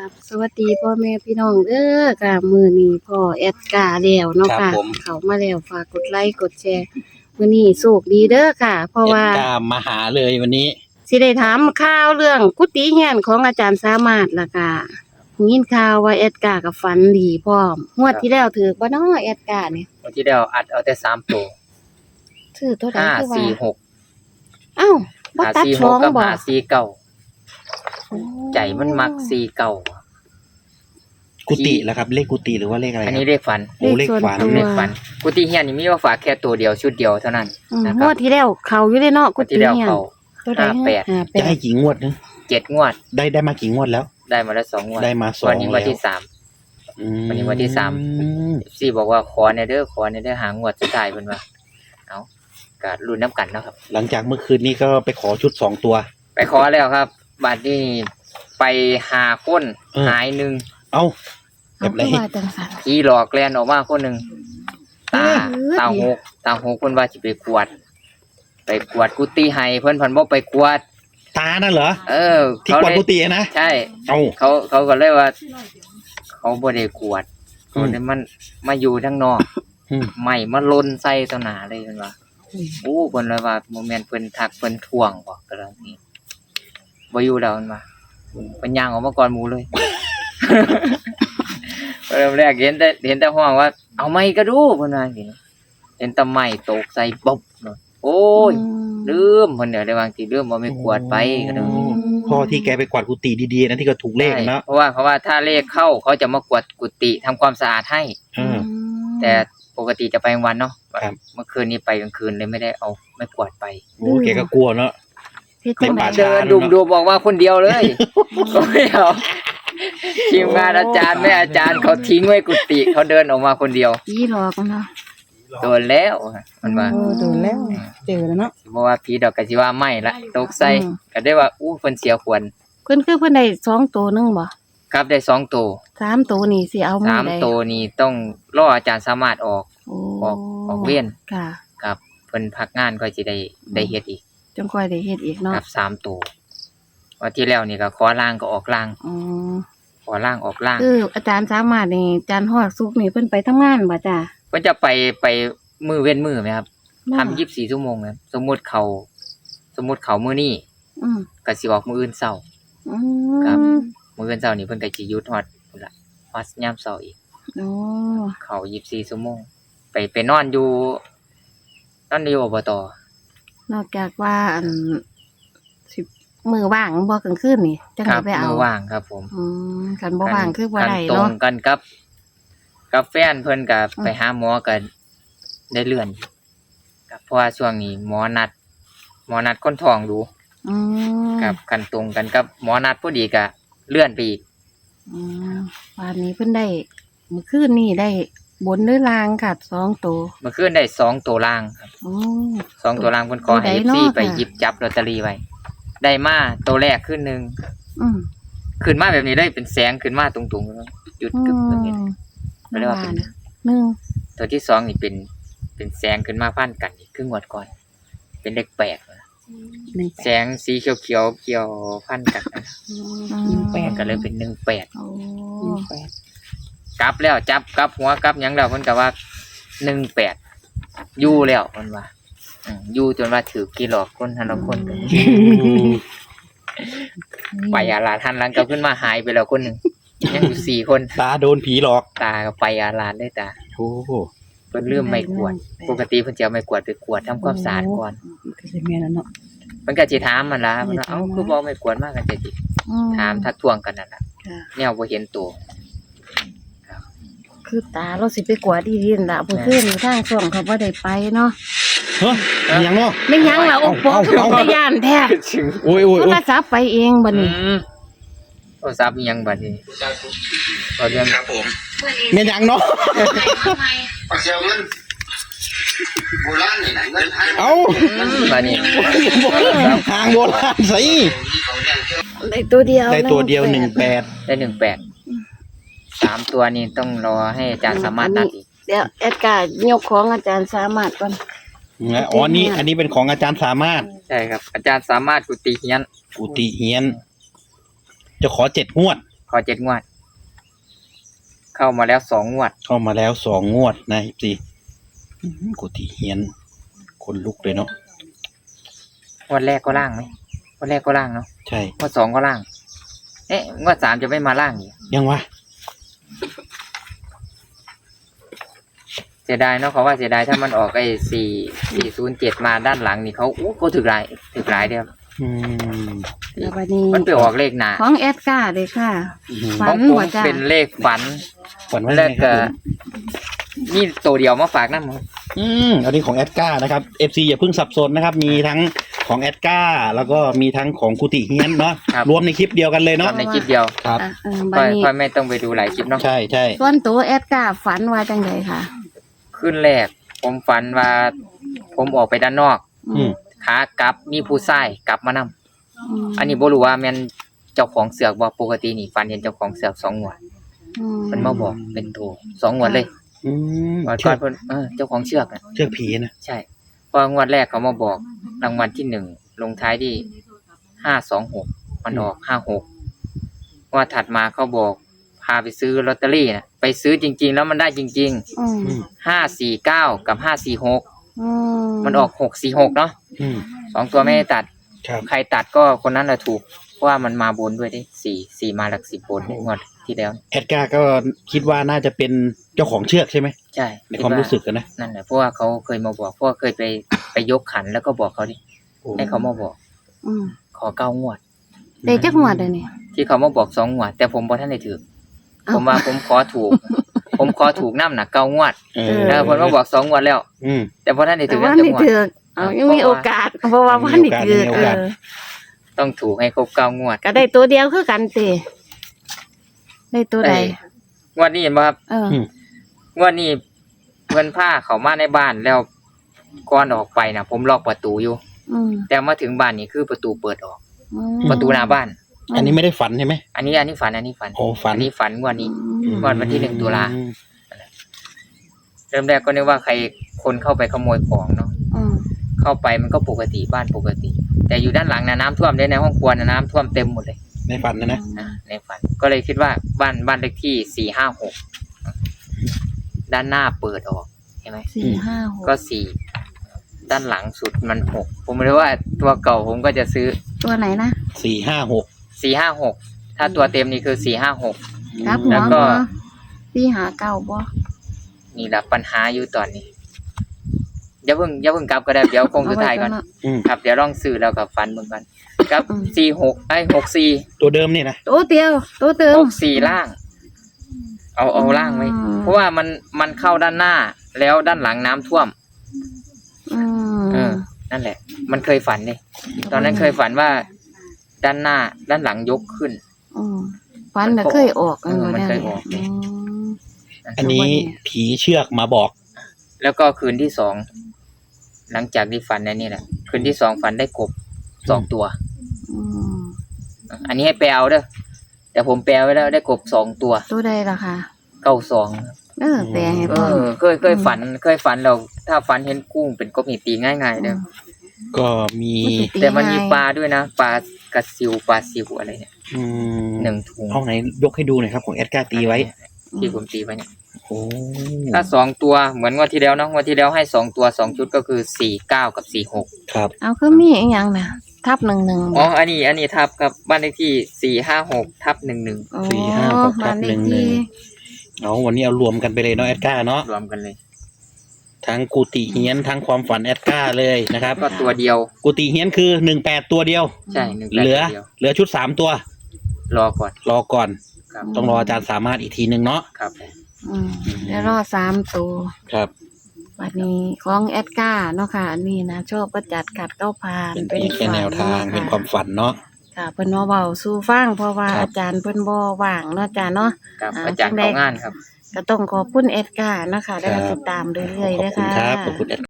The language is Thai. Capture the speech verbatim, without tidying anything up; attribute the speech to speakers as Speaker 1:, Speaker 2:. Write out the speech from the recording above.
Speaker 1: บสวัสดีพ่อแม่พี่น้องเด้อค่ะมื้อนี้พ่อแอดกาแล้วเนาะ
Speaker 2: ครั
Speaker 1: ค่ะ
Speaker 2: บผม
Speaker 1: เขามาแล้วฝากกดไลค์กดแชร์มื้อนี้โชคดีเด้อค่ะ เพราะว่า
Speaker 2: เอ็ดกามาหาเลยวันนี้
Speaker 1: สิได้ถามข่าวเรื่องกุฏิเฮียนของอาจารย์สามารถล่ะค่ะยินข่าวว่าแอดกากับฝันดีพร้อมงวดที่แล้วถือบ่เนาะแอดกานี่
Speaker 3: วันที่แล้วอัดเอาแต่สามตัว
Speaker 1: ถือตัวใด
Speaker 3: ห้า
Speaker 1: คือว่า
Speaker 3: สี่หก
Speaker 1: อ้าวบ่
Speaker 3: ห้า
Speaker 1: ตัด
Speaker 3: สี่ห
Speaker 1: ช่อก ง
Speaker 3: กับ
Speaker 1: บ่
Speaker 3: ห้าสี่เก้า
Speaker 1: โอ้
Speaker 3: ใจมันมักสี่เก้า
Speaker 2: กุฏิแล้วครับ เลขกุฏิหรือว่าเลขอะไรค
Speaker 3: อั
Speaker 2: รั
Speaker 3: น
Speaker 2: บ
Speaker 3: นี้เลขฝัน
Speaker 2: โอ้เลขฝัน
Speaker 1: ส่วนตัว
Speaker 3: เลขฝันกุฏิเฮียนนี่มีว่าฝากแค่ตัวเดียวชุดเดียวเท่านั้น
Speaker 1: อืม
Speaker 3: นะค
Speaker 1: ง
Speaker 3: รับ
Speaker 1: วดที่แล้วเขาอยู่ได้เนาะกุ
Speaker 3: วัน
Speaker 1: ฏิ
Speaker 3: ที่แล้ว
Speaker 1: เฮียน
Speaker 3: เขา
Speaker 1: ตัวใด
Speaker 3: ห้าแปด
Speaker 1: ห้าแป
Speaker 2: จะให้
Speaker 1: ด
Speaker 2: กี่งวดนะ
Speaker 3: เจ็ดงวด
Speaker 2: ได้ได้มากี่งวดแล้ว
Speaker 3: ได้มาแล้วสองงวด
Speaker 2: ได้มาสอง
Speaker 3: วันนี้วันที่
Speaker 2: แล้ว
Speaker 3: สาม
Speaker 2: อืม
Speaker 3: วันนี้วันที่สาม สี่บอกว่าขอในเด้อขอในเด้อหางวดสุดท้ายเพิ่นว่าเอาก็ลุ้นน้ำกันเนาะครับ
Speaker 2: หลังจากเมื่อคืนนี้ก็ไปขอชุดสองตัว
Speaker 3: ไปขอแล้วครับบัดนี้ไปหาคน
Speaker 2: เออ
Speaker 3: หายหนึ่ง
Speaker 2: เอ้าแบ
Speaker 1: เอา
Speaker 2: บไหน
Speaker 1: คือว่าจังซั่น
Speaker 3: ผีหลอกแล่นออกมาคนหนึ่งตา
Speaker 1: เออ
Speaker 3: ตาหกตาหกเพิ่นว่าสิไปกวด ไปกวดกุฏิให้เพิ่นเพิ่นบ่ไปกวด
Speaker 2: ตานั่นเหรอ
Speaker 3: เออ
Speaker 2: ที่
Speaker 3: เขา
Speaker 2: กวาด
Speaker 3: เลย
Speaker 2: กุฏินะ
Speaker 3: ใช่
Speaker 2: เอ้า
Speaker 3: เขาเขาก็เลยว่า เขาบ่ได้กวด
Speaker 2: อืม
Speaker 3: เขาได้มันมาอยู่ทางนอก
Speaker 2: อืม
Speaker 3: ไม่มาลนใส่ต่อหน้าเลยเพิ่นว่าโอ้เพิ่นเลยว่าโมเมนต์เพิ่นทักเพิ่นทวงบ่ก็แล้วนี่บ่อยู่แล้วเพิ่นว่าเพิ่นย่างออกมาก่อนหมู่เลย เริ่มแรกเห็นแต่เห็นแต่ห้องว่า เอาไม้ก็ดูเพิ่นว่าจังซี่เห็นแต่ไม้ตกใส่บ๊อบเนาะโอ้ย ลืมเพิ่นเดี๋ยวได้วางสิลืมบ่ไม่กวดไปก็เด้อ
Speaker 2: พ่อที่แกไปกวาดกุฏิดีๆนะที่ก็ถูกเลขเนาะ
Speaker 3: เพราะว่าเพราะว่าถ้าเลขเข้าเขาจะมากวดกุฏิทำความสะอาดให้
Speaker 2: เออ
Speaker 3: แต่ปกติจะไปกลางวันเนาะ
Speaker 2: ครับ
Speaker 3: เมื่อคืนนี้ไปกลางคืนเลยไม่ได้เอาไม่กวาดไป
Speaker 2: โอ้แกก็กลัวเนาะ
Speaker 1: เฮ็ดจัง
Speaker 2: ใน
Speaker 1: ได๋
Speaker 2: ป่าช้า
Speaker 3: เดินดุมดูบอกว่าคนเดียวเลย ก็ไม่เอาทีมงานอาจารย์แม่อาจารย์เขาทิ้งไว้กุฏิเขาเดินออกมาคนเดียว
Speaker 1: ผีหลอกเนาะ
Speaker 3: โดนแล้วมันว่า
Speaker 1: เออโดนแล้วเจอแล้วเนาะ
Speaker 3: เพราะว่าผีดอกกะสิว่าไม่ละตกใส่
Speaker 1: อืม
Speaker 3: ก็ได้ว่าอู้เพิ่นเสียควร
Speaker 1: เพิ่นคือเพิ่นได้สองตัวหนึงบ่
Speaker 3: ครับได้สองตัว
Speaker 1: สามตัวนี่สิเอามื้
Speaker 3: สา
Speaker 1: อ
Speaker 3: ม
Speaker 1: ใด
Speaker 3: ตัวนี้ต้องรออาจารย์สามารถออก
Speaker 1: โอ้
Speaker 3: ออกออกเวียน
Speaker 1: ค่ะ
Speaker 3: ครับเพิ่นพักงานก็สิได้ได้เฮ็ดอีก
Speaker 1: จังค่อยได้เฮ็ดอีกเนาะ
Speaker 3: ครับสามตัววันที่แล้วนี่ก็ขอล่างก็ออกล่าง
Speaker 1: อ๋อ
Speaker 3: ขอล่างออกล่าง
Speaker 1: คืออาจารย์สามารถนี่อาจารย์ฮอดสุกนี่เพิ่นไปทำงานบ่จ้ะ
Speaker 3: เพิ่นจะไปไปมือเว้นมือไหมครับ
Speaker 1: เนาะ
Speaker 3: ทำยี่สิบสี่ชั่วโมงครับสมมุติเขาสมมุติเขามื้อนี้
Speaker 1: อืม
Speaker 3: ก็สิออกมื้ออื่นเช้า
Speaker 1: อื
Speaker 3: ครับ
Speaker 1: ม
Speaker 3: มื้ออื่นเช้านี่เพิ่นก็สิหยุดฮอดพุ่นล่ะฮอดยามเช้าอีก
Speaker 1: โอ้
Speaker 3: เขายี่สิบสี่ชั่วโมงไปไปนอนอยู่นอนอยู่อบต
Speaker 1: นอกจากว่าอันสิมือว่างบ่กลางคืนนี่จัง
Speaker 3: ค
Speaker 1: ได๋
Speaker 3: รับ
Speaker 1: ไปเอา
Speaker 3: มื้อว่างครับผม
Speaker 1: อืมคันบ่ว่างคือบ่ได้
Speaker 3: ตร
Speaker 1: เนาะ
Speaker 3: งกันกับกับแฟนเพิ่นก็ไปหาหมอก็ได้เลื่อนครับเพราะว่าช่วงนี้หมอนัด หมอนัดคนท้องดู
Speaker 1: อืม
Speaker 3: ครับกันตรงกันกับหมอนัดพอดีก็เลื่อนไปอีก
Speaker 1: อืมวันนี้เพิ่นได้เมื่อคืนนี่ได้บนหรือลางค่ะสองตัว
Speaker 3: เมื่อคืนได้สองตัวล่างครับ
Speaker 1: โอ้
Speaker 3: สองตัวล่างเพิ่นขอให้
Speaker 1: ตัวใด
Speaker 3: เอฟ
Speaker 1: เนาะ
Speaker 3: ซีไป
Speaker 1: ค่ะ
Speaker 3: หยิบจับลอตเตอรี่ไว้ได้มาตัวแรกขึ้นหนึง
Speaker 1: อืม
Speaker 3: ขึ้นมาแบบนี้เลยเป็นแสงขึ้นมาตรงๆแล้วหยุดกึบแบบนี้ ไม่ได้ว่าเป็น
Speaker 1: หนึ่ง
Speaker 3: ตัวที่สองนี่เป็นเป็นแสงขึ้นมาพันกันอีกครึ่งงวดก่อน เป็นเลขแปดนะ
Speaker 1: หนึ่ง
Speaker 3: แสงสีเขียวเขียวๆเกี่ยวพันกันนะ
Speaker 1: หนึ่งแป
Speaker 3: มั
Speaker 1: ด
Speaker 3: นก็เลยเป็นหนึ่งแปด
Speaker 1: โอ้
Speaker 3: กลับแล้วจับกลับหัวกลับหยังแล้วเพิ่นก็ว่าหนึ่งแปดอยู่แล้วเพิ่นว่าอืมอยู่จนว่าถือกี่หลอกคนทันละคนกันไปอาลาทันหลังกลับขึ้นมาหายไปแล้วคนหนึ่งยังอยู่สี่คน
Speaker 2: ตาโดนผีหลอก
Speaker 3: ตาก็ไปอาลาได้ตา
Speaker 2: โอ้
Speaker 3: เพิ่นลืมไม่กวาดปกติเพิ่นจะเอาไม่กวาดไปกวาดทำความสะอาดก่อน
Speaker 4: ก็สิแม่นแล้วเนาะ
Speaker 3: เพิ่นก็สิถามมันล่ะเพิ่นว่าเอ้าคือบ่เอาไม่กวาดมากันจะสิถามทักท้วงกันนั่นล่ะ
Speaker 1: ค่ะ
Speaker 3: แนวบ่เห็นตัว
Speaker 1: คือตาเราสิไปกวาดดีๆนั่นล่ะเมื่อคืนนี่ทางช่วงเขาบ่ได้ไปเนาะ
Speaker 2: เฮ้ยมีหยังเนาะ
Speaker 1: ไม่ยั้งล่ะโอ้บอกคือบ่ย่านแท้
Speaker 2: โอ้ยโอ้ย
Speaker 1: โท
Speaker 2: โอ้
Speaker 1: ร
Speaker 2: ย
Speaker 1: ศัพท์ไปเองบัด
Speaker 3: อื
Speaker 1: นี้
Speaker 3: มโทรศัพท์มีหยังบัดนี้ก็เรื่อง
Speaker 5: ครับผม
Speaker 2: มีหยังเนาะ
Speaker 5: ปักเซียวเงินโบราณนี่นะเงินไทย
Speaker 2: เอ้า
Speaker 3: อืมบัดนี้
Speaker 2: ทางโบราณสิ
Speaker 5: เขาเรียกเชื่อ
Speaker 1: ได้ตัวเดียว
Speaker 2: ได้ตัวเดียวหนึ่งแปด
Speaker 3: ได้หนึ่งแปดสามตัวนี้ต้องรอให้อาจารย์สามารถนัดอีก
Speaker 1: เดี๋ยวแอดการ์ยกของอาจารย์สามารถก่อน
Speaker 2: อ๋อนี่อันนี้เป็นของอาจารย์สามารถ
Speaker 3: ใช่ครับ อาจารย์สามารถกุฏิเฮียน
Speaker 2: กุฏิเฮียน จะขอเจ็ดงวด
Speaker 3: ขอเจ็ดงวด เข้ามาแล้วสองงวด
Speaker 2: เข้ามาแล้วสองงวดนะสิกุฏิเฮียนคนลุกเลยเนาะ
Speaker 3: งวดแรกก็ล่างไหมงวดแรกก็ล่างเนาะ
Speaker 2: ใช่
Speaker 3: งวดสองก็ล่าง เอ๊ะงวดสามจะไม่มาล่างอีก
Speaker 2: ยังวะ
Speaker 3: เสียดายเนาะเขาว่าเสียดายถ้ามันออกไอ้สี่สี่ศูนย์เจ็ดมาด้านหลังนี่เขาอู้เขาถึกหลายถึกหลายเดียว
Speaker 2: อืม
Speaker 1: แล้วบัดนี้
Speaker 3: มันไปออกเลขหนา
Speaker 1: ของแอดการ์เลยค่ะ
Speaker 2: อืม
Speaker 1: ฝั
Speaker 3: ของผม
Speaker 1: บ่จ้ะ
Speaker 3: เป็นเลขฝัน
Speaker 2: ฝันว่า
Speaker 3: แล้ว
Speaker 2: ไงค
Speaker 3: ก็
Speaker 2: รับผม
Speaker 3: นี่ตัวเดียวมาฝากนั่น
Speaker 2: อืมอันนี้ของแอดก้านะครับ เอฟ ซี อย่าเพิ่งสับสนนะครับ มีทั้งของแอดก้าแล้วก็มีทั้งของกุฏิเฮียนเนาะ
Speaker 3: ครับ
Speaker 2: รวมในคลิปเดียวกันเลยเนาะ
Speaker 3: ทำในคลิปเดียว
Speaker 2: ครับ
Speaker 1: อ่ะเออ
Speaker 3: ค่
Speaker 1: บั
Speaker 3: อ
Speaker 1: ด
Speaker 3: ย
Speaker 1: นี้
Speaker 3: ค่อยไม่ต้องไปดูหลายคลิปเนาะ
Speaker 2: ใช่ใช่
Speaker 1: ส่วนตัวแอดการ์ฝันว่าจังไดค่ะ
Speaker 3: ขึ้นแรก ผมฝันว่า ผมออกไปด้านนอก
Speaker 2: อืม
Speaker 3: ขากลับมีผู้ชายกลับมานำ
Speaker 1: ม
Speaker 3: อันนี้บ่รู้ว่าแม่นเจ้าของเสือกบ่ปกตินี่ฝันเห็นเจ้าของเสือกสองงวด
Speaker 1: อืม
Speaker 3: มันมาบอกเป็นตัวสองงวดเลย
Speaker 2: อืม
Speaker 3: ก่อน
Speaker 2: เชื
Speaker 3: ก่อ
Speaker 2: อน ก
Speaker 3: เพิ่นเออเจ้าของเชือกน่ะ
Speaker 2: เชือกผีนะ
Speaker 3: ใช่พองวดแรกเขามาบอกรางวัลที่หนึ่งลงท้ายที่ห้าสองหกมันออกห้าหกงวดถัดมาเขาบอกพาไปซื้อลอตเตอรี่น่ะไปซื้อจริง ๆ แล้วมันได้จริง
Speaker 1: อืม
Speaker 2: อืม
Speaker 3: ๆห้าสี่เก้ากับห้าสี่หก
Speaker 1: อืม
Speaker 3: มันออกหกสี่หกเนาะ
Speaker 2: อืม
Speaker 3: สองตัวไม่ได้ตัด
Speaker 2: ครับ
Speaker 3: ใครตัดก็คนนั้นแหละถูกเพราะว่ามันมาบนด้วยดิสี่สี่มาหลักสิบบนงวดที่แล้ว
Speaker 2: แอดก้าก็คิดว่าน่าจะเป็นเจ้าของเชือกใช่ไหม
Speaker 3: ใช่
Speaker 2: ในความรู้สึกกันนะ
Speaker 3: นั่นแหละเพราะว่าเขาเคยมาบอกเพราะว่าเคยไปไปยกขันแล้วก็บอกเขาดิให้เขามาบอก
Speaker 1: อืม
Speaker 3: ขอเก้างวด
Speaker 1: ได้จักงวดเลยนี่
Speaker 3: ที่เขามาบอกสองงวด แต่ผมบ่ท่านได้ถือ
Speaker 1: เอ้า
Speaker 3: ผมว่าผมขอถูก ผมขอถูกน้ำหนักเก้างวด
Speaker 2: เอ
Speaker 1: เอ
Speaker 2: อ
Speaker 1: อ
Speaker 3: แล้วผมมาบอกสองงวดแล้ว
Speaker 2: อืม
Speaker 3: แต่บ่ท่านได้
Speaker 1: แต่
Speaker 3: ถือ
Speaker 1: ว่า
Speaker 3: น้ำ
Speaker 1: นี่
Speaker 3: จังงวด
Speaker 1: ถือกเอายังมีโอกาส เพราะว่าว่านี่ถือก
Speaker 2: มีโอกาส
Speaker 1: เออ
Speaker 3: ต้องถูกให้ครบเก้างวด
Speaker 1: ก็ได้ตัวเดียวคือกันติได้ตัวใด
Speaker 3: เอ้ย งวดนี้เห็นบ่ครับ
Speaker 1: เออ
Speaker 2: ม
Speaker 3: งวดนี้เพิ่นพาเขามาในบ้านแล้วก่อนออกไปน่ะ ผมล็อกประตูอยู่
Speaker 1: อืม
Speaker 3: แต่มาถึงบ้านนี่คือประตูเปิดออก
Speaker 1: อืม
Speaker 3: ประตูหน้าบ้าน
Speaker 2: อันนี้ไม่ได้ฝันใช่ไหม
Speaker 3: อันนี้อันนี้ฝันอันนี้ฝัน
Speaker 2: โอ้ฝัน
Speaker 3: อันนี้ฝันงวดนี้
Speaker 1: อืม
Speaker 3: วันวันที่หนึ่งตุลา
Speaker 2: อืม
Speaker 3: เริ่มแรกก็นึกว่าใครคนเข้าไปขโมยของเนาะ
Speaker 1: อืม
Speaker 3: เข้าไปมันก็ปกติบ้านปกติ แต่อยู่ด้านหลังนะน้ำท่วมเลยในห้องครัวนะน้ำท่วมเต็มหมดเลย
Speaker 2: ในฝันนะนะ
Speaker 3: นะในฝันก็เลยคิดว่าบ้านบ้านเลขที่สี่ห้าหกด้านหน้าเปิดออกใช่ไหม
Speaker 1: สี่ห้าหก
Speaker 3: ก็สี่ด้านหลังสุดมันหกผมไม่รู้ว่าตัวเก่าผมก็จะซื้อ
Speaker 1: ตัวไหนนะ
Speaker 2: สี่ห้าหก
Speaker 3: สี่ห้าหกถ้าตัวเต็มนี่คือสี่ห้าหก
Speaker 1: ครับหั
Speaker 3: แล้ว วก็
Speaker 1: บ่สี่หาเก้าบ่
Speaker 3: นี่แหละปัญหาอยู่ตอนนี้อย่าเพิ่งอย่าเพิ่งกลับก็ได้เดี๋ยวคงสุดท้ายก่อน
Speaker 1: เไว้
Speaker 2: อืม
Speaker 3: ครับเดี๋ยวลองซื้อแล้วกับฟันเบิ่งกันครับ
Speaker 1: อืม
Speaker 3: สี่หกไอ้หกสี่
Speaker 2: ตัวเดิมนี่นะ
Speaker 1: ตัวเดียวตัวเติม
Speaker 3: หกสี่ล่าง เอาเอาล่างไว้
Speaker 1: อืม
Speaker 3: เพราะว่ามันมันเข้าด้านหน้า แล้วด้านหลังน้ำท่วม
Speaker 1: อืม
Speaker 3: เออ นั่นแหละ มันเคยฝันนี่ตอนนั้นเคยฝันว่า ด้านหน้า ด้านหลังยกขึ้น
Speaker 1: อืมฟันน่ะเคยออก
Speaker 3: เออมันเคยออก
Speaker 1: อืม
Speaker 2: อันนี้ผีเชือกมาบอก
Speaker 3: แล้วก็คืนที่สองหลังจากที่ฝันนั่นนี่แหละคืนที่สองฝันได้กบสองตัว
Speaker 1: อืม
Speaker 3: อันนี้ให้แปลเอาเด้อแต่ผมแปลไว้แล้วได้กบสองตัว
Speaker 1: ตัวใดล่ะค่ะ
Speaker 3: เก้าสอง
Speaker 1: เออแปลให้
Speaker 3: เอ
Speaker 1: พ่อ
Speaker 3: อเคยเคยฝัน เคยฝันเราถ้าฝันเห็นกุ้งเป็นกบนี่ตีง่ายๆเด้อ
Speaker 2: ก็มี
Speaker 3: แต่มันมีปลาด้วยนะปลากระซิวปลาซิวอะไรเนี่ย
Speaker 2: อืม
Speaker 3: หนึ่งถุง
Speaker 2: เอาไหนยกให้ดูหน่อยครับของแอดก้าตีไว้
Speaker 3: ที่ผมตีไว้เนี่ย
Speaker 2: โอ้
Speaker 3: ถ้าสองตัวเหมือนงวันที่แล้วเนาะงวันที่แล้วให้สองตัวสองชุดก็คือสี่เก้ากับสี่หก
Speaker 2: ครับ
Speaker 1: เอาคือมีอีกอย่างน่ะ ทับหนึ่งหนึ่ง
Speaker 3: อ๋ออันนี้อันนี้ทับครับบ้านเลขที่สี่ห้าหกทับหนึ่งหนึ่ง
Speaker 2: สี่ห้าหกทับหนึ่งหนึ่ง เอาวันนี้เอารวมกันไปเลยเนาะแอดก้าเนาะ
Speaker 3: รวมกันเลย
Speaker 2: ทั้งกุฏิเฮียนทั้งความฝันแอดก้าเลยนะครับ
Speaker 3: ก็ตัวเดียว
Speaker 2: กุฏิเฮียนคือหนึ่งแปดตัวเดียว
Speaker 3: ใช่หนึ่ง
Speaker 2: เหลือ
Speaker 3: เดียว
Speaker 2: เหลือชุดสามตัว
Speaker 3: รอก่อน
Speaker 2: รอก่อน
Speaker 3: ครับ
Speaker 2: ต้องรออาจารย์สามารถอีกทีหนึ่งเนาะ
Speaker 3: ครับผม
Speaker 1: อืมเดี๋ยวรอสามตัว
Speaker 2: ครับ
Speaker 1: วันนี้ของแอดการ์เนาะค่ะอันนี้นะชอบประจัดกัดเก้าพาน
Speaker 2: เป็นเพียงแค่แนวทางเป็นความฝันเนาะ
Speaker 1: ค่ะเพิ่นมาเว้าสู่ฟังเพราะว่า
Speaker 2: ครับ
Speaker 1: อาจารย์เพิ่นบ่ว่างเนาะอาจารย์เนาะ
Speaker 3: ครับ
Speaker 1: อ่า
Speaker 3: อาจารย์
Speaker 1: จังใด
Speaker 3: เขางานครับ
Speaker 1: ก็ต้องขอบคุณแอดการ์นะคะได้รับติดตามเรื่อยๆ
Speaker 2: ขอบ
Speaker 1: ด้วย
Speaker 2: คุณ
Speaker 1: ค่ะ
Speaker 2: ครับขอบคุณแอด